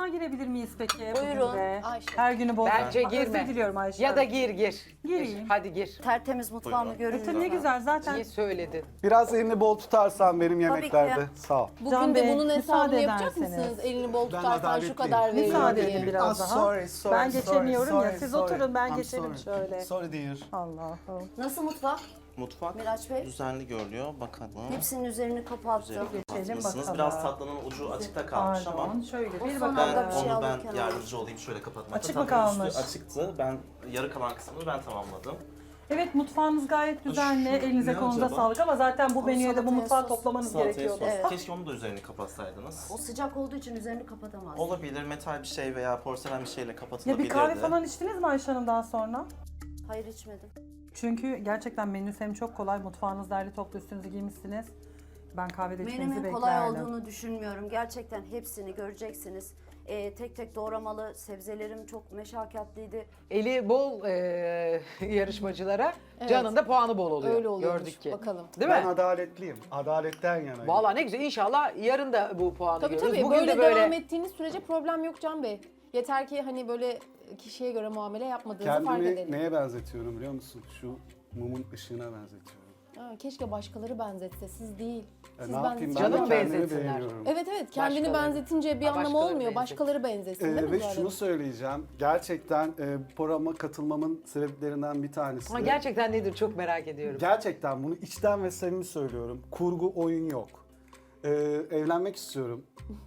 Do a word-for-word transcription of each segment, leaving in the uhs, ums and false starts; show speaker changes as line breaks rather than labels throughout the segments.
mutfağa girebilir miyiz peki?
Buyurun,
bugün de?
Ayşe.
Her günü bol.
Bence
Bak,
girme.
Özür diliyorum Ayşe.
Ya da gir gir.
Gireyim.
Hadi gir.
Tertemiz mutfağımı
E
görün.
tabii ne güzel zaten.
İyi söyledin.
Biraz elini bol tutarsan benim yemeklerde.
ki.
Sağ ol.
Bugün
Can
de
Bey,
bunun hesabını
müsaade
yapacak
ederseniz.
mısınız? Elini bol tutarsan şu
adaletliyim.
kadar veriyorum
Müsaade
diye.
edin biraz
Ah,
daha.
sorry, sorry,
ben
sorry,
geçemiyorum ya.
sorry,
Siz
sorry.
oturun ben
I'm
geçerim
sorry.
şöyle.
Sorry dear.
Allah'ım.
Nasıl mutfak?
Mutfak
Miraç Bey.
düzenli görünüyor. Bakalım.
Hepsinin üzerini kapattım.
Üzerine
Geçelim
kapatmışsınız.
bakalım.
Biraz tatlının ucu açıkta kalmış ama
Pardon şöyle
O
bir
son
bakalım.
anda
ben
bir şey
onu ben
alırken
yardımcı olayım şöyle kapatmakta.
Açık mı
Tatlının
kalmış?
üstü açıktı. Ben yarı kalan kısmını ben tamamladım.
Evet mutfağınız gayet düzenli.
Şu
Elinize
ne
kolunuza
acaba?
sağlık ama zaten bu
O
menüye de bu
salataya
mutfağı
sos.
toplamanız
Salataya
gerekiyordu.
sos.
Evet.
Keşke onu da üzerini kapatsaydınız.
O sıcak olduğu için üzerini kapatamaz.
Olabilir, metal bir şey veya porselen bir şeyle
Ya
kapatılabilirdi.
bir kahve falan içtiniz mi Ayşe Hanım daha sonra?
Hayır içmedim.
Çünkü gerçekten menüsü hem çok kolay. Mutfağınız derli toplu üstünüzü giymişsiniz. Ben kahvede içmenizi
Menümün kolay
beklerdim.
olduğunu düşünmüyorum. Gerçekten hepsini göreceksiniz. Ee, tek tek doğramalı, sebzelerim çok meşakkatliydi.
Eli bol e, yarışmacılara
Evet.
Can'ın da puanı bol oluyor.
Öyle oluyormuş,
Gördük ki.
bakalım.
Değil
Ben
mi?
adaletliyim. Adaletten yanayım.
Vallahi ne güzel. İnşallah yarın da bu puanı
Tabii
görürüz.
tabii
Bugün
böyle,
de böyle
devam ettiğiniz sürece problem yok Can Bey. Yeter ki hani böyle kişiye göre muamele yapmadığınızı fark
Kendimi
edelim.
neye benzetiyorum biliyor musun? Şu mumun ışığına benzetiyorum.
Ha, keşke başkaları benzetse, siz değil.
E,
Siz
ne yapayım ben de
Canım
kendimi
benzetsinler.
beğeniyorum.
Evet evet, kendini
Başkaları.
benzetince bir
Ha,
anlamı
başkaları
olmuyor.
benzet.
Başkaları benzetsin değil
Ee,
mi?
ve
Zuhal
şunu
Hanım?
söyleyeceğim. Gerçekten e, bu programa katılmamın sebeplerinden bir tanesi.
ama
de-
gerçekten nedir çok merak ediyorum.
Gerçekten bunu içten ve samimi söylüyorum. Kurgu, oyun yok. Ee, evlenmek istiyorum.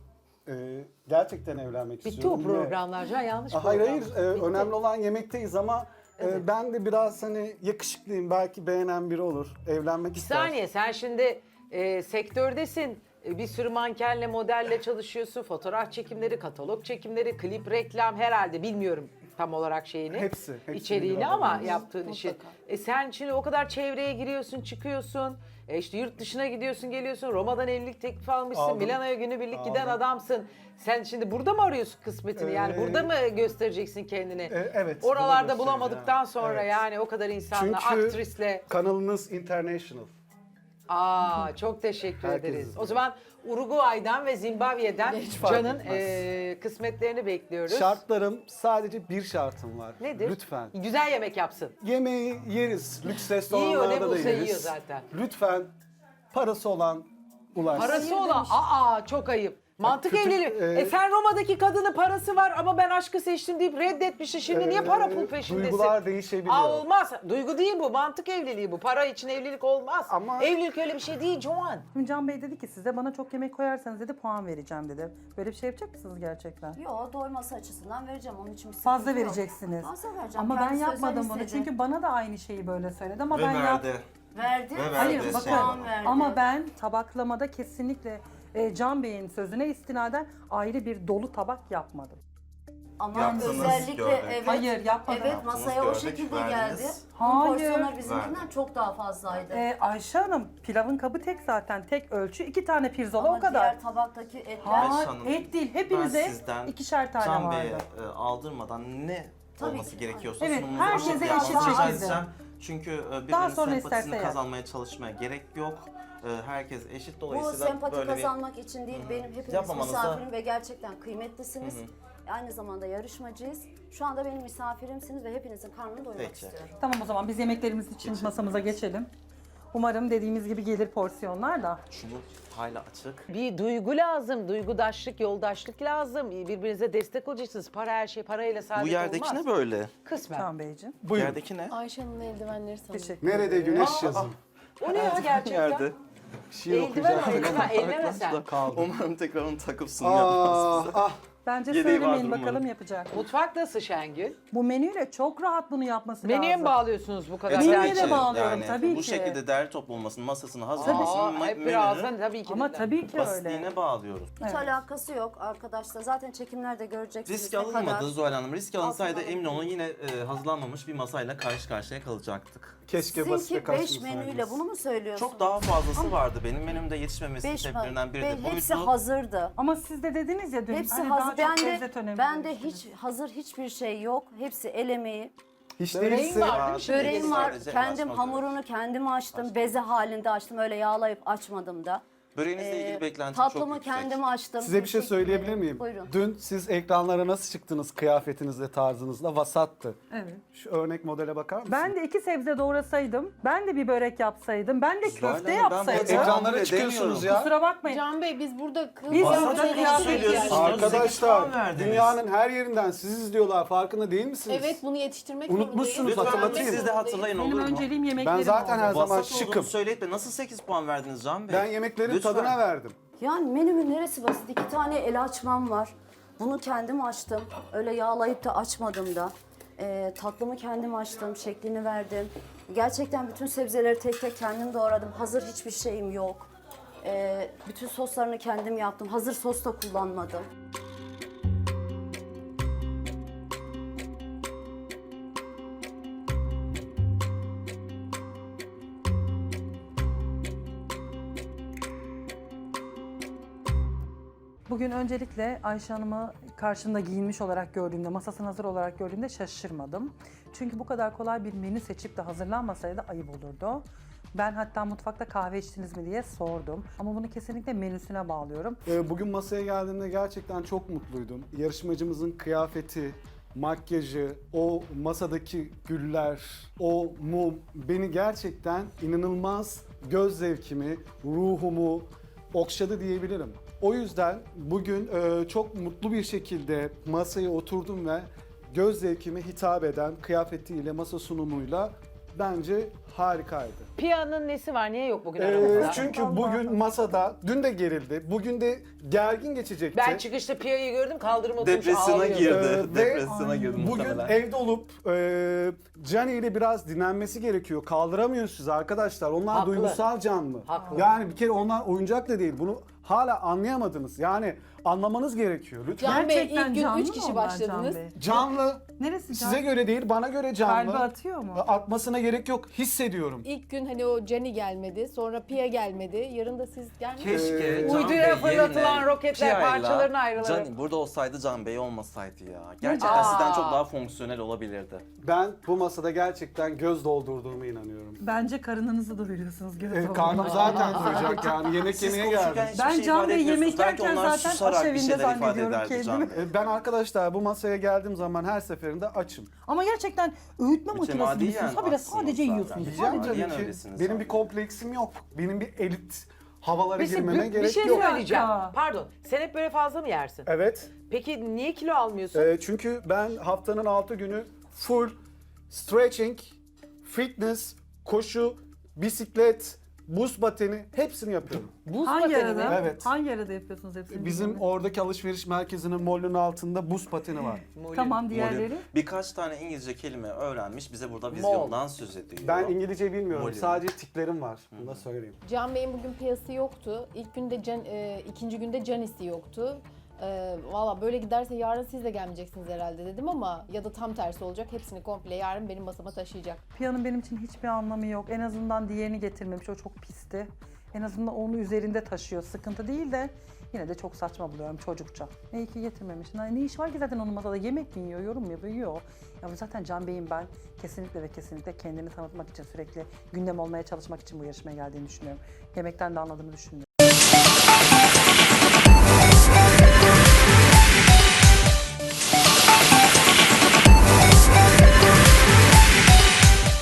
Ee, gerçekten evlenmek
Bitti
istiyorum.
o programlar Can, yanlış
Aa, hayır
program.
hayır, e, önemli olan yemekteyiz ama e, ben de biraz hani yakışıklıyım, belki beğenen biri olur. Evlenmek
Bir
ister.
saniye sen şimdi e, sektördesin. E, Bir sürü mankenle, modelle çalışıyorsun. Fotoğraf çekimleri, katalog çekimleri, klip, reklam herhalde bilmiyorum tam olarak şeyini.
Hepsi, hepsini
içeriğini
bir
ama
arada.
yaptığın işi.
Mutlaka.
E sen şimdi o kadar çevreye giriyorsun, çıkıyorsun. E işte yurt dışına gidiyorsun, geliyorsun. Roma'dan evlilik teklifi almışsın.
Aldım.
Milano'ya günübirlik giden
Aldım.
adamsın. Sen şimdi burada mı arıyorsun kısmetini? Yani
Ee,
burada mı göstereceksin kendini?
E, evet.
Oralarda
bunu
bulamadıktan
göstereceğim.
sonra
Evet.
yani o kadar insanla,
Çünkü
aktrisle.
kanalınız international.
Aa çok teşekkür
Herkes
ederiz.
izliyor.
O zaman Uruguay'dan ve Zimbabwe'den
Hiç fark
Can'ın
etmez.
eee, kısmetlerini bekliyoruz.
Şartlarım, sadece bir şartım var.
Nedir?
Lütfen.
Güzel yemek yapsın.
Yemeği yeriz. Lüks
Yiyor, ne
restoranlarda da
bulsa
yeriz.
yiyor zaten.
Lütfen parası olan ulaşsın.
Parası olan, aa çok ayıp. Mantık
kötü-
evliliği.
e-
E sen Roma'daki kadının parası var ama ben aşkı seçtim deyip reddetmişsin. Şimdi niye
Ee,
para pul peşindesin?
Duygular değişebiliyor.
Aa olmaz. Duygu değil bu. Mantık evliliği bu. Para için evlilik olmaz.
Ama-
Evlilik öyle bir şey değil Joan.
Şimdi Can Bey dedi ki size bana çok yemek koyarsanız dedi puan vereceğim dedi. Böyle bir şey yapacak mısınız gerçekten?
Yo, doyması açısından vereceğim. Onun için bir
Fazla
sıkıntı yok.
vereceksiniz.
Fazla vereceğim.
Ama ben
Kendisi özel
yapmadım bunu.
istedi.
Çünkü bana da aynı şeyi böyle söyledi ama
Ve
ben yap.
verdi.
Verdi.
Ve verdi.
Hayır
Şey
bakın
puan verdi.
ama ben tabaklamada kesinlikle e, Can Bey'in sözüne istinaden ayrı bir dolu tabak yapmadım.
Ama
Yaptınız,
özellikle
gördük.
evet.
Hayır, yapmadım.
Evet,
Yaptınız,
masaya o
gördük,
şekilde
verdiniz.
geldi.
Hayır.
Porsiyonlar bizimkinden
Verdi.
çok daha fazlaydı.
E, Ayşe Hanım pilavın kabı tek zaten tek ölçü iki tane pirzola
Ama
o kadar.
diğer tabaktaki etler
Hayır
Ayşe Hanım,
et değil
Ben
hepinize
sizden
ikişer tane
Can
vardı.
Bey'e e, aldırmadan ne
Tabii
olması
ki.
gerekiyorsa
Evet,
sunumunuzu
herkese
o şekilde
eşit
yapmanızı rica
şekilde.
edeceğim. Çünkü e,
Daha
birbirinin
sonra
sempatisini
isterse yap.
kazanmaya çalışmaya gerek yok. E, Herkes eşit,
Bu
dolayısıyla
sempati
böyle bir...
kazanmak için değil, benim hepiniz
Yapmamanız da-
misafirim ve gerçekten kıymetlisiniz. Aynı zamanda yarışmacıyız. Şu anda benim misafirimsiniz ve hepinizin karnını doyurmak
Peki.
istiyorum.
Tamam o zaman biz yemeklerimiz için masamıza geçelim. Umarım dediğimiz gibi gelir porsiyonlar da.
Şunu hala açık.
Bir duygu lazım, duygudaşlık, yoldaşlık lazım. Birbirinize destek olacaksınız. Para her şey parayla saadet
Bu yerdeki
olmaz.
ne böyle?
Kısmen.
Can Beyciğim.
Bu
Buyurun.
yerdeki ne?
Ayşe Hanım'ın eldivenleri sanırım.
Teşekkür
Nerede güneş yazın?
O ne ya gerçekten?
Yerde.
Bir şey
Eldiven
okuyacağım.
eldiven, elleme sen.
Kaldı.
Umarım tekrar onu takıp sunum yapmaz
Ah,
bize.
ah.
Bence
Yedeği
söylemeyin
vardır
bakalım
umarım.
yapacak.
Mutfak nasıl Şengül?
Bu menüyle çok rahat bunu yapması
Menüye
lazım.
mi bağlıyorsunuz bu kadar?
E,
Menüye
tabii
de
ki.
bağlıyorum,
yani,
tabii
bu
ki.
şekilde değerli toplu olmasının, masasını
Aa,
hazırlamasının
hep
menünün
birazdan tabii ki.
Ama
de.
tabii ki öyle.
basitliğine bağlıyoruz.
Hiç
Evet.
alakası yok arkadaşlar. Zaten çekimlerde göreceksiniz
Risk
ne
alınmadı
kadar.
Zuhal Hanım. Risk alınsaydı
Aslında-
emin olun yine e, hazırlanmamış bir masayla karşı karşıya kalacaktık.
Keşke basite
Sizinki
kaç
beş menüyle bunu mu söylüyorsunuz?
Çok daha fazlası vardı. Benim menümde yetişmemesi
Beş
sebeplerinden biri de
Be- Hepsi
buydu.
hazırdı.
Ama siz de dediniz ya dün
Hepsi
hani
hazır.
daha çok
Ben
lezzet
de,
önemli
ben de
demiştiniz.
hiç hazır hiçbir şey yok. Hepsi el emeği.
Hiç
Böreğin
değilse
var değil mi şimdi?
Böreğim var.
Sadece
Kendim
açmak
hamurunu kendim açtım. Beze halinde açtım. Öyle yağlayıp açmadım da.
Böreğinizle
Ee,
ilgili beklentim çok
Tatlımı
yüksek.
kendim açtım.
Size bir şey
Teşekkür
söyleyebilir
ederim.
miyim?
Buyurun.
Dün siz ekranlara nasıl çıktınız kıyafetinizle, tarzınızla? Vasattı.
Evet.
Şu örnek modele bakar mısın?
Ben de iki sebze doğrasaydım, ben de bir börek yapsaydım, ben de
Zuhal
köfte
Hanım, ben
yapsaydım.
bu
Ekranlara
Tahammül
çıkıyorsunuz
edemiyorum.
ya.
Kusura bakmayın.
Can Bey biz burada kıl
Biz
kıyafet
burada
eleştirmek
kıyafet
yani.
söylüyorsunuz. sekiz
Arkadaşlar
puan verdiniz.
dünyanın her yerinden sizi izliyorlar. Farkında değil misiniz?
Evet bunu yetiştirmek
Unutmuşsunuz,
zorundayız.
Lütfen
hatırlatayım.
siz de hatırlayın
Benim
olur mu?
önceliğim yemeklerim
Ben zaten her
oldu.
zaman
Vasat
şıkım.
olduğunu söyleyip de nasıl sekiz puan verdiniz Can Bey?
Ben yemeklerin
Lütfen.
tadına verdim.
Yani menümün neresi basit? İki tane el açmam var. Bunu kendim açtım. Öyle yağlayıp da açmadım da. Ee, tatlımı kendim açtım, şeklini verdim. Gerçekten bütün sebzeleri tek tek kendim doğradım. Hazır hiçbir şeyim yok. Ee, bütün soslarını kendim yaptım. Hazır sos da kullanmadım.
Bugün öncelikle Ayşe Hanım'ı karşımda giyinmiş olarak gördüğümde, masasına hazır olarak gördüğümde şaşırmadım. Çünkü bu kadar kolay bir menü seçip de hazırlanmasaydı ayıp olurdu. Ben hatta mutfakta kahve içtiniz mi diye sordum. Ama bunu kesinlikle menüsüne bağlıyorum.
Ee, Bugün masaya geldiğimde gerçekten çok mutluydum. Yarışmacımızın kıyafeti, makyajı, o masadaki güller, o mum beni gerçekten inanılmaz göz zevkimi, ruhumu okşadı diyebilirim. O yüzden bugün e, çok mutlu bir şekilde masaya oturdum ve göz zevkime hitap eden kıyafetiyle, masa sunumuyla bence harikaydı.
Piyanın nesi var? Niye yok bugün
Ee,
aramızda?
çünkü bugün masada, dün de gerildi, bugün de gergin geçecekti.
Ben çıkışta Piya'yı gördüm kaldırıma oturmuş
Depresyona
ağlıyordu.
girdi.
Ee, ve
Depresyona girdi
Bugün
muhtemelen.
evde olup e, Cani ile biraz dinlenmesi gerekiyor. Kaldıramıyorsunuz arkadaşlar. Onlar
Haklı.
duygusal canlı.
Haklı.
Yani bir kere onlar oyuncak da değil. Bunu hala anlayamadınız. Yani anlamanız gerekiyor lütfen.
Can Bey
Gerçekten
ilk gün
canlı
üç
mı
kişi
onlar
başladınız.
Can Bey?
Canlı.
Neresi
Size
can?
göre değil, bana göre canlı.
Kalbi atıyor mu?
Atmasına gerek yok. Hissediyorum.
İlk gün hani o Jenny gelmedi, sonra Pia gelmedi, yarın da siz gelmediniz.
Keşke
Ee,
Can
Uyduya
Bey
fırlatılan
yerine
roketler
Pia'yla
parçalarına ayrılır.
Can, burada olsaydı Can Bey olmasaydı ya. Gerçekten
Aa.
sizden çok daha fonksiyonel olabilirdi.
Ben bu masada gerçekten göz doldurduğuma inanıyorum.
Bence karınınızı doyuruyorsunuz. göz
E,
olduğunda.
karnım zaten doyacak yani. Yemek
Siz
yemeye
konuşurken
geldim.
hiçbir
Ben
şey
Can
ifade
Bey
etmiyorsunuz.
yemek
Belki
yerken
onlar
zaten
susarak bir
aşevinde
şeyler ifade
zannediyorum
ederdi Can
kendimi.
Bey.
E, Ben arkadaşlar bu masaya geldiğim zaman her seferinde açım.
Ama gerçekten öğütme makinesi
Mütemadiyen
gibisiniz. Habire
aksınız
sadece
zaten.
yiyorsunuz.
Diyeceğim
Sadece.
tabii
Tabii
ki.
ki
öylesiniz
benim
zaten.
bir kompleksim yok. Benim bir elit havalara
Peki,
girmeme
bir, bir
gerek
şey
yok.
söyleyeceğim.
Dakika.
Pardon. Sen hep böyle fazla mı yersin?
Evet.
Peki niye kilo almıyorsun?
e, çünkü ben haftanın altı günü full stretching, fitness, koşu, bisiklet, buz pateni hepsini yapıyorum.
Buz
Hangi
pateni
arada?
mi?
Evet.
Hangi arada yapıyorsunuz hepsini?
Bizim
bilmiyorum.
oradaki alışveriş merkezinin molünün altında buz pateni var.
Molly.
Tamam diğerleri.
Molly. Birkaç tane İngilizce kelime öğrenmiş. Bize burada vizyondan söz ediyor.
Ben İngilizce bilmiyorum.
Molly.
Sadece tiklerim var. Bunu da söyleyeyim.
Can Bey'in bugün piyası yoktu. İlk günde Can, e, ikinci günde Janice'i yoktu. E, Valla böyle giderse yarın siz de gelmeyeceksiniz herhalde dedim ama ya da tam tersi olacak. Hepsini komple yarın benim masama taşıyacak.
Piyanın benim için hiçbir anlamı yok. En azından diğerini getirmemiş. O çok pisti. En azından onu üzerinde taşıyor. Sıkıntı değil de yine de çok saçma buluyorum çocukça. İyi ki getirmemiş. Ne ne iş var ki zaten onun masada? Yemek mi yiyor, yorum mu yapıyor? Yiyor. Ya bu zaten Can Bey'in ben kesinlikle ve kesinlikle kendini tanıtmak için sürekli gündem olmaya çalışmak için bu yarışmaya geldiğini düşünüyorum. Yemekten de anladığını düşünüyorum.